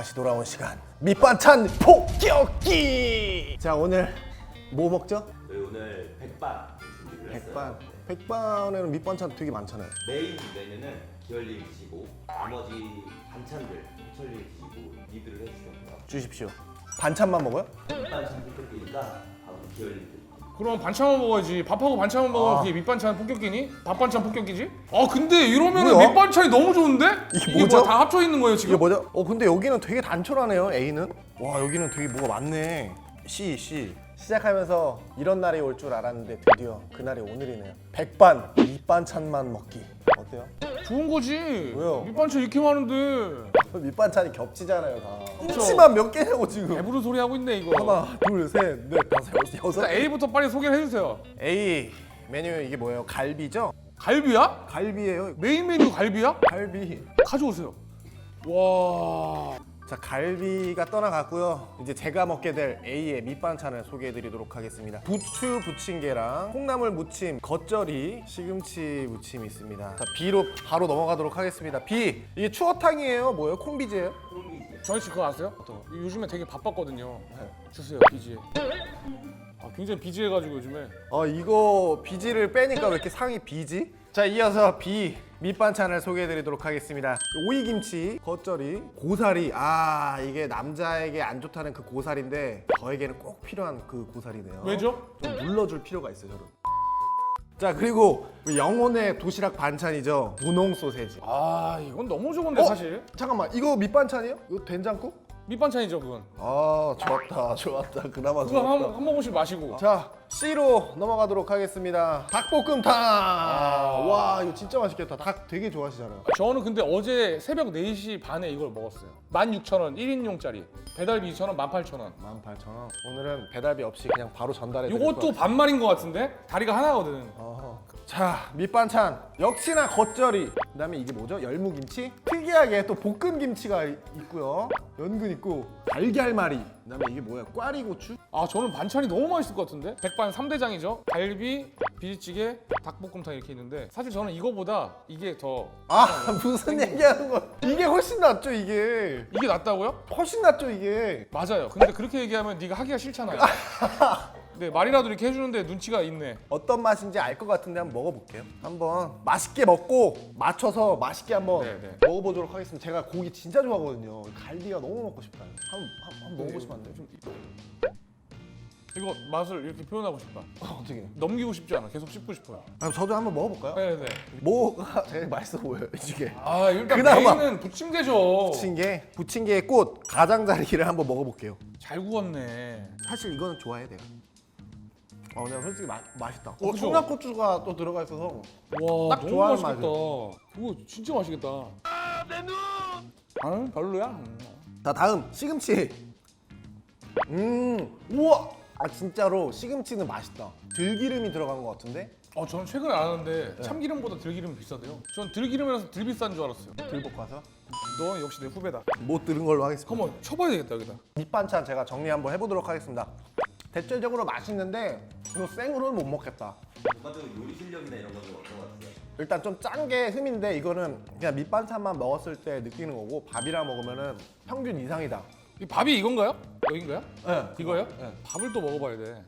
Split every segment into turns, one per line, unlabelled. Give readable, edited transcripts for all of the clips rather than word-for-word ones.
다시 돌아온 시간 밑반찬 폭격기. 자, 오늘 뭐 먹죠?
저희 오늘 백반 준비를 했어요.
백반에는 밑반찬 되게 많잖아요.
메인 메뉴는 기열님 드시고 나머지 반찬들 희철님 드시고 리드를 해주시면 돼요.
주십시오. 반찬만 먹어요?
백반찬 폭격기니까 바로 기열님 드세요.
그럼 반찬만 먹어야지. 밥하고 반찬만 먹으면 그게 밑반찬 폭격기니? 밥반찬 폭격기지? 아 근데 이러면은
뭐야?
밑반찬이 너무 좋은데?
이게 뭐죠?
뭐야, 다 합쳐 있는 거예요 지금?
이게 뭐죠? 근데 여기는 되게 단촐하네요. A는. 와, 여기는 되게 뭐가 많네. C. 시작하면서 이런 날이 올 줄 알았는데 드디어 그날이 오늘이네요. 백반 밑반찬만 먹기. 어때요?
좋은 거지.
왜요?
밑반찬 이렇게 많은데
밑반찬이 겹치잖아요, 다. 김치만 몇 개냐고 지금.
배부른 소리 하고 있네 이거.
하나, 둘, 셋, 넷, 다섯, 여섯.
일단 A부터 빨리 소개를 해주세요.
A 메뉴 이게 뭐예요? 갈비죠?
갈비야?
갈비예요.
메인 메뉴 갈비야?
갈비.
가져오세요. 와.
자, 갈비가 떠나갔고요. 이제 제가 먹게 될 A의 밑반찬을 소개해드리도록 하겠습니다. 부추 부침개랑 콩나물 무침, 겉절이, 시금치 무침이 있습니다. 자, B로 바로 넘어가도록 하겠습니다. B, 이게 추어탕이에요? 뭐예요? 콩비지예요?
저희 씨 그거 아세요? 요즘에 되게 바빴거든요. 주세요 비지에. 아 굉장히 비지해가지고 요즘에.
이거 비지를 빼니까 왜 이렇게 상이 비지? 자, 이어서 B 밑반찬을 소개해드리도록 하겠습니다. 오이김치, 겉절이, 고사리. 이게 남자에게 안 좋다는 그 고사리인데 저에게는 꼭 필요한 그 고사리네요.
왜죠?
좀 눌러줄 필요가 있어요, 저는. 자, 그리고 우리 영혼의 도시락 반찬이죠. 분홍 소세지.
아 이건 너무 좋은데 사실.
잠깐만, 이거 밑반찬이에요? 이거 된장국?
밑반찬이죠 그건.
좋았다. 그나마
그거 한
좋았다.
모금씩 마시고.
자, C로 넘어가도록 하겠습니다. 닭볶음탕. 와, 이거 진짜 맛있겠다. 닭 되게 좋아하시잖아요.
저는 근데 어제 새벽 4시 반에 이걸 먹었어요. 16,000원 1인용짜리. 배달비 2,000원 18,000원.
18,000원. 오늘은 배달비 없이 그냥 바로 전달해 드릴
이것도 반말인 것 같은데? 다리가 하나거든.
자, 밑반찬 역시나 겉절이. 그다음에 이게 뭐죠? 열무김치. 특이하게 또 볶음김치가 있고요. 연근 있고 달걀말이. 그다음에 이게 뭐야? 꽈리고추.
아 저는 반찬이 너무 맛있을 것 같은데? 백반 3대장이죠. 갈비, 비지찌개, 닭볶음탕 이렇게 있는데 사실 저는 이거보다 이게 더
무슨 얘기하는 거야? 이게 훨씬 낫죠, 이게.
이게 낫다고요?
훨씬 낫죠, 이게.
맞아요. 근데 그렇게 얘기하면 네가 하기가 싫잖아요. 네 말이라도 이렇게 해주는데 눈치가 있네.
어떤 맛인지 알 것 같은데 한번 먹어볼게요. 한번 맛있게 먹고 맞춰서 맛있게 한번
네.
먹어보도록 하겠습니다. 제가 고기 진짜 좋아하거든요. 갈비가 너무 먹고 싶다. 한번 먹어보시면 안 돼요?
이거 맛을 이렇게 표현하고 싶다.
어떻게?
넘기고 싶지 않아. 계속 씹고 싶어요.
저도 한번 먹어볼까요?
네네.
뭐가 제일 맛있어 보여요, 이게?
아 일단
그나마.
메인은 부침개죠.
부침개의 꽃 가장자리를 한번 먹어볼게요.
잘 구웠네.
사실 이거는 좋아해 내가. 내가 솔직히 맛있다.
그죠?
청양고추가 또 들어가 있어서
와
딱
너무
좋아하는
맛있겠다. 그거 진짜 맛있겠다. 내 눈. 아 별로야.
자, 다음 시금치. 우와. 진짜로 시금치는 맛있다. 들기름이 들어간 것 같은데?
저는 최근에 알았는데 참기름보다 들기름이 비싸대요. 전 들기름이라서 들 비싼 줄 알았어요.
들볶아서?
너 역시 내 후배다.
못 들은 걸로 하겠습니다.
한번 쳐봐야 되겠다 여기다.
밑반찬 제가 정리 한번 해보도록 하겠습니다. 대체적으로 맛있는데 이거 생으로는 못 먹겠다.
전반적으로 요리 실력이나 이런 거는 어떤 것 같아요?
일단 좀 짠 게 흠인데 이거는 그냥 밑반찬만 먹었을 때 느끼는 거고 밥이랑 먹으면은 평균 이상이다.
이 밥이 이건가요? 여긴가요?
네.
이거요?
네.
밥을 또 먹어봐야 돼.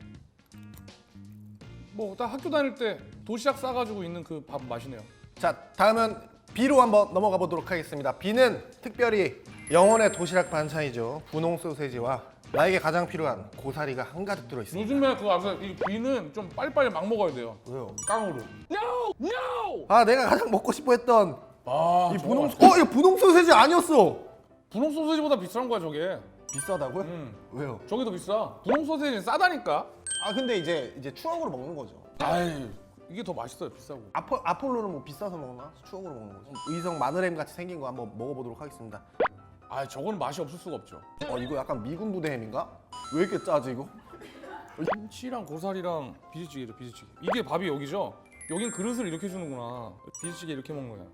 뭐 딱 학교 다닐 때 도시락 싸가지고 있는 그 밥 맛이네요.
자, 다음은 B로 한번 넘어가 보도록 하겠습니다. B는 특별히 영혼의 도시락 반찬이죠. 분홍 소세지와 나에게 가장 필요한 고사리가 한가득 들어있습니다.
요즘에 그거 아세요? 이 비는 좀 빨리빨리 막 먹어야 돼요.
왜요?
깡으로. No!
내가 가장 먹고 싶어 했던
아,
이
저거
분홍
맛있다.
이거 분홍 소세지 아니었어.
분홍 소세지보다 비싼 거야 저게.
비싸다고요? 왜요?
저게 더 비싸. 분홍 소세지는 싸다니까.
근데 이제 추억으로 먹는 거죠.
아이 이게 더 맛있어요 비싸고.
아폴로는 뭐 비싸서 먹나? 추억으로 먹는 거죠. 의성 마늘햄 같이 생긴 거 한번 먹어보도록 하겠습니다.
아 저거는 맛이 없을 수가 없죠.
이거 약간 미군 부대 햄인가? 왜 이렇게 짜지 이거?
김치랑 고사리랑 비지찌개죠 비지찌개. 이게 밥이 여기죠? 여긴 그릇을 이렇게 주는구나. 비지찌개 이렇게 먹는 거야.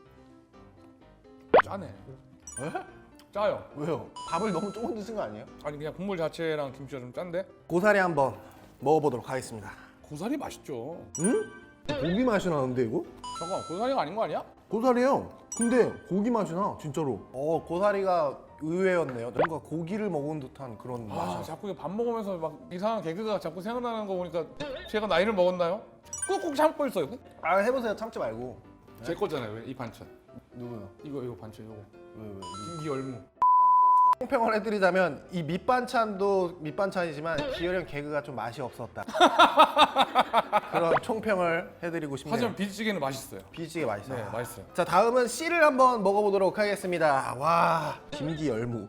짜네.
에?
짜요.
왜요? 밥을 너무 조금 드신 거 아니에요?
아니 그냥 국물 자체랑 김치가 좀 짠데?
고사리 한번 먹어보도록 하겠습니다.
고사리 맛있죠.
응? 고기 맛이 나는데 이거?
잠깐 고사리가 아닌 거 아니야?
고사리요. 근데 고기 맛이 나 진짜로. 고사리가 의외였네요. 뭔가 고기를 먹은 듯한 그런
아,
맛이.
자꾸 밥 먹으면서 막 이상한 개그가 자꾸 생각나는 거 보니까 제가 나이를 먹었나요? 꾹꾹 참고 있어요.
아 해보세요. 참지 말고.
제 거잖아요. 왜? 이 반찬.
누구요?
이거 반찬 이거.
왜?
김기 열무.
총평을 해드리자면 이 밑반찬도 밑반찬이지만 기열이 형 개그가 좀 맛이 없었다. 그런 총평을 해드리고 싶네요.
하지만 비지찌개는 맛있어요.
비지게 맛있어요.
네, 맛있어요.
자 다음은 C를 한번 먹어보도록 하겠습니다. 와 김기 열무.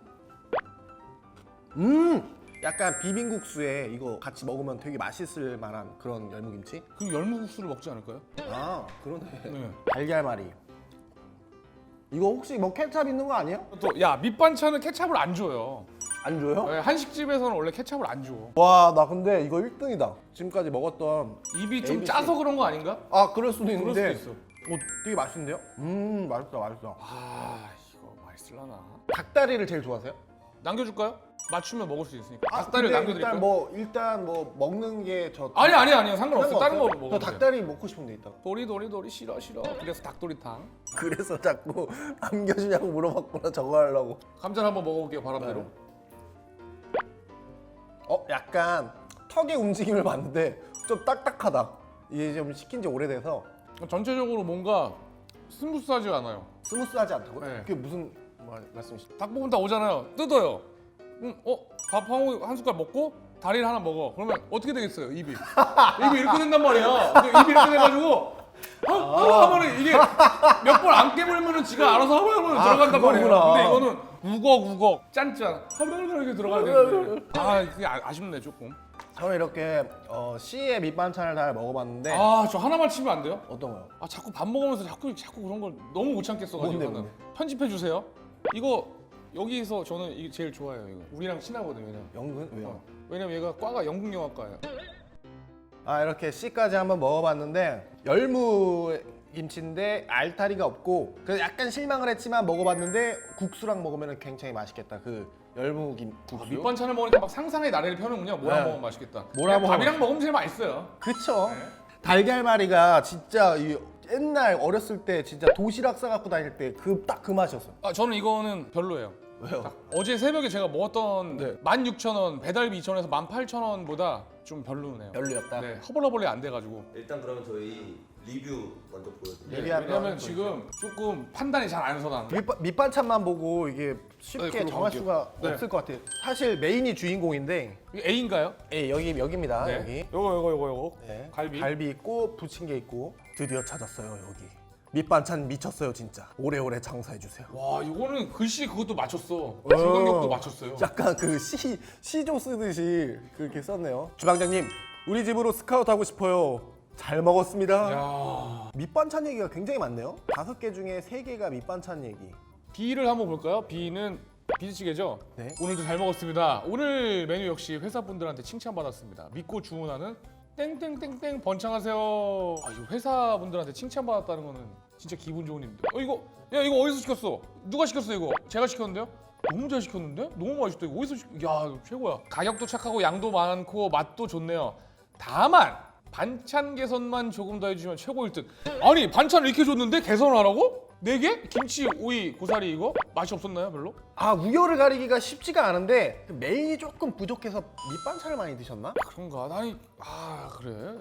약간 비빔국수에 이거 같이 먹으면 되게 맛있을 만한 그런 열무김치.
그럼 열무국수를 먹지 않을까요?
아 그러네.
네.
달걀말이. 이거 혹시 뭐 케찹 있는 거 아니에요?
또 야 밑반찬은 케찹을 안 줘요.
안 줘요?
네, 한식집에서는 원래 케찹을 안 줘.
와 나 근데 이거 1등이다. 지금까지 먹었던.
입이 좀
ABC.
짜서 그런 거 아닌가?
아 그럴 수도
그럴
있는데.
수도 있어.
되게 맛있는데요? 맛있다 맛있다.
아 이거 맛있을라나?
닭다리를 제일 좋아하세요?
남겨줄까요? 맞추면 먹을 수 있으니까. 닭다리를
근데
남겨드릴까요?
일단 뭐 먹는 게 저.
아니 상관없어. 다른 거
저
먹어도 돼요.
닭다리 먹고 싶은데 이따가.
도리 싫어. 그래서 닭도리탕.
그래서 자꾸 남겨주냐고 물어봤구나 저거 하려고.
감자를 한번 먹어볼게요 바람대로.
약간 턱의 움직임을 봤는데 좀 딱딱하다. 이게 좀 시킨 지 오래돼서
전체적으로 뭔가 스무스하지 않아요.
스무스하지 않다고요?
네.
그게 무슨 말씀이시죠?
닭볶음탕 오잖아요. 뜯어요. 밥 한 숟갈 먹고 다리를 하나 먹어. 그러면 어떻게 되겠어요? 입이 이렇게 된단 말이야. 근데 입이 이렇게 돼가지고 하면은 이게 몇 번 안 깨물면은 지가 알아서 하면 들어간단 말이에요.
그거구나.
근데 이거는 우걱 짠짠 이렇게 들어가야 되는데 그게 아쉽네 조금.
저는 이렇게 C의 밑반찬을 다 먹어봤는데
저 하나만 치면 안 돼요?
어떤 거요?
자꾸 밥 먹으면서 자꾸 그런 걸 너무 못 참겠어가지고
뭔데?
편집해 주세요. 이거 여기서 저는 이게 제일 좋아요. 이거 우리랑 친하거든요.
연근? 왜요?
왜냐면 얘가 과가 영국영화과예요.
이렇게 C까지 한번 먹어봤는데 열무 김치인데 알타리가 없고 그래서 약간 실망을 했지만 먹어봤는데 국수랑 먹으면 굉장히 맛있겠다. 그 열무 국수.
밑반찬을 먹으니까 막 상상의 나래를 펴는군요. 뭐랑
네.
먹으면 맛있겠다.
뭐랑 먹으면
밥이랑 먹으면 제일 맛있어요.
그쵸?
네.
달걀말이가 진짜 옛날 어렸을 때 진짜 도시락 싸갖고 다닐 때 그 맛이었어요.
저는 이거는 별로예요.
왜요?
어제 새벽에 제가 먹었던
네.
16,000원, 배달비 2,000원에서 18,000원보다 좀 별로네요.
별로였다.
네, 허벌허벌이 안 돼가지고.
일단 그러면 저희 리뷰 먼저 보여드릴게요.
리뷰하면
왜냐면 지금 조금 판단이 잘 안 서나.
밑반찬만 보고 이게
네,
쉽게
그럼
정할
볼게요.
수가
네.
없을 것 같아요. 사실 메인이 주인공인데
이거 A인가요?
여기입니다.
네.
여기.
요거.
네.
갈비.
있고 부침개 있고 드디어 찾았어요 여기. 밑반찬 미쳤어요 진짜. 오래오래 장사해 주세요.
와, 이거는 글씨 그것도 맞췄어. 중간격도 맞췄어요.
약간 그 시조 쓰듯이 그렇게 썼네요. 주방장님 우리 집으로 스카우트 하고 싶어요. 잘 먹었습니다.
야.
밑반찬 얘기가 굉장히 많네요. 5개 중에 3개가 밑반찬 얘기.
B를 한번 볼까요? B는 비지찌개죠?
네.
오늘도 잘 먹었습니다. 오늘 메뉴 역시 회사분들한테 칭찬받았습니다. 믿고 주문하는 땡땡땡땡 번창하세요. 이거 회사분들한테 칭찬받았다는 거는 진짜 기분 좋은 일인데. 이거 어디서 시켰어? 누가 시켰어 이거? 제가 시켰는데요? 너무 잘 시켰는데? 너무 맛있다. 이거 어디서 야, 최고야. 가격도 착하고 양도 많고 맛도 좋네요. 다만 반찬 개선만 조금 더 해주시면 최고 1등. 아니 반찬을 이렇게 줬는데 개선을 하라고? 4개? 김치, 오이, 고사리 이거? 맛이 없었나요 별로?
우열을 가리기가 쉽지가 않은데 메인이 조금 부족해서 밑반찬을 많이 드셨나?
그런가? 아니 그래.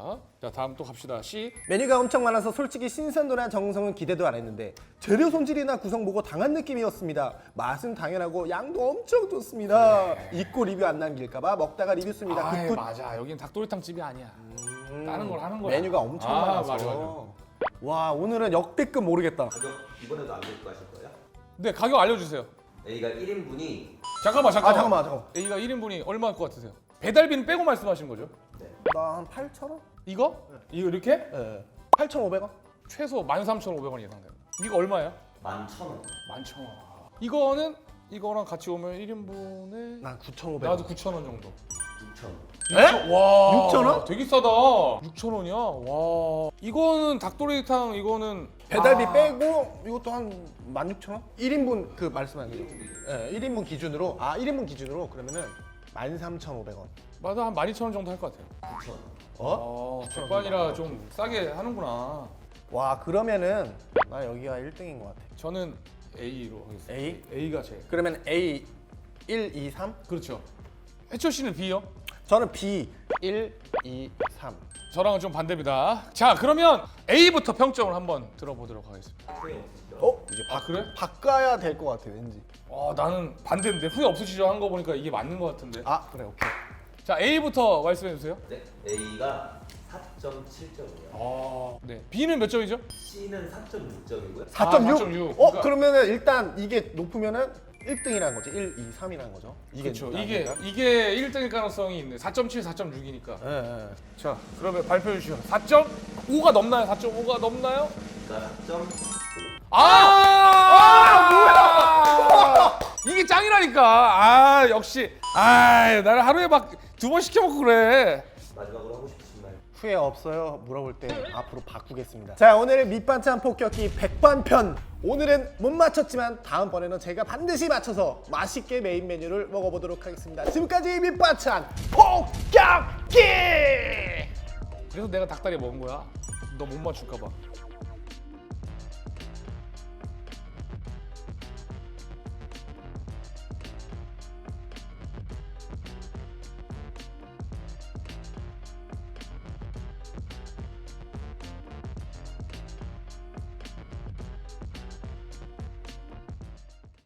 자 다음 또 갑시다. C.
메뉴가 엄청 많아서 솔직히 신선도나 정성은 기대도 안 했는데 재료 손질이나 구성 보고 당한 느낌이었습니다. 맛은 당연하고 양도 엄청 좋습니다. 잊고 리뷰 안 남길까봐 먹다가 리뷰 씁니다. 굿굿.
맞아. 여긴 닭도리탕 집이 아니야. 다른 걸 하는 거야.
메뉴가 엄청 많아서.
맞아.
와 오늘은 역대급 모르겠다.
가격 이번에도 안 듣고 하실 거예요?
네 가격 알려주세요.
A가 1인분이
잠깐만.
잠깐만.
A가 1인분이 얼마일 것 같으세요? 배달비는 빼고 말씀하시는 거죠?
나 한 8,000원?
이거? 이거 이렇게?
네. 8,500원?
최소 13,500원 예상돼요. 이거 얼마예요?
11,000원.
11,000원. 이거는 이거랑 같이 오면 1인분에
난 9,500원.
나도 9,000원 정도.
6,000원.
에?
와,
6,000원?
되게 싸다. 6,000원이야. 와. 이거는 닭도리탕 이거는
배달비 빼고 이것도 한 16,000원? 1인분 그 말씀하신 거죠? 네, 1인분 기준으로 1인분 기준으로 그러면은 13,500원.
맞아 한 12,000원 정도 할 것 같아요.
9,000원.
백반이라 좀 싸게 하는구나.
와 그러면은 나 여기가 1등인 것 같아.
저는 A로 하겠습니다.
A?
A가 제.
그러면 A 1, 2, 3?
그렇죠. 해철 씨는 B요?
저는 B 1, 2, 3.
저랑은 좀 반대입니다. 자, 그러면 A부터 평점을 한번 들어보도록 하겠습니다.
후회 없으시죠?
이제
아, 그래?
바꿔야 될 것 같아 왠지.
나는 반대인데 후회 없으시죠? 한 거 보니까 이게 맞는 것 같은데.
아 그래 오케이.
자, A부터 말씀해 주세요.
네, A가 4.7점이에요.
네. B는 몇 점이죠?
C는 4.6점이고요.
4.6?
4.6.
어 그러면은 일단 이게 높으면은 1등이라는 거지. 1, 2, 3이라는 거죠.
그렇죠.
아닌가?
이게 1등일 가능성이 있네. 4.7, 4.6이니까.
예, 예.
자, 그러면 발표해 주시죠. 4.5가 넘나요? 4.5가 넘나요?
그러니까 4.5.
뭐야! 이게 짱이라니까. 역시. 나를 하루에 막 2번 시켜 먹고 그래.
마지막으로 하고 싶으신 말.
후회 없어요. 물어볼 때 앞으로 바꾸겠습니다. 자 오늘의 밑반찬 폭격기 백반편. 오늘은 못 맞췄지만 다음번에는 제가 반드시 맞춰서 맛있게 메인 메뉴를 먹어보도록 하겠습니다. 지금까지 밑반찬 폭격기.
그래서 내가 닭다리 먹은 거야. 너 못 맞출까 봐.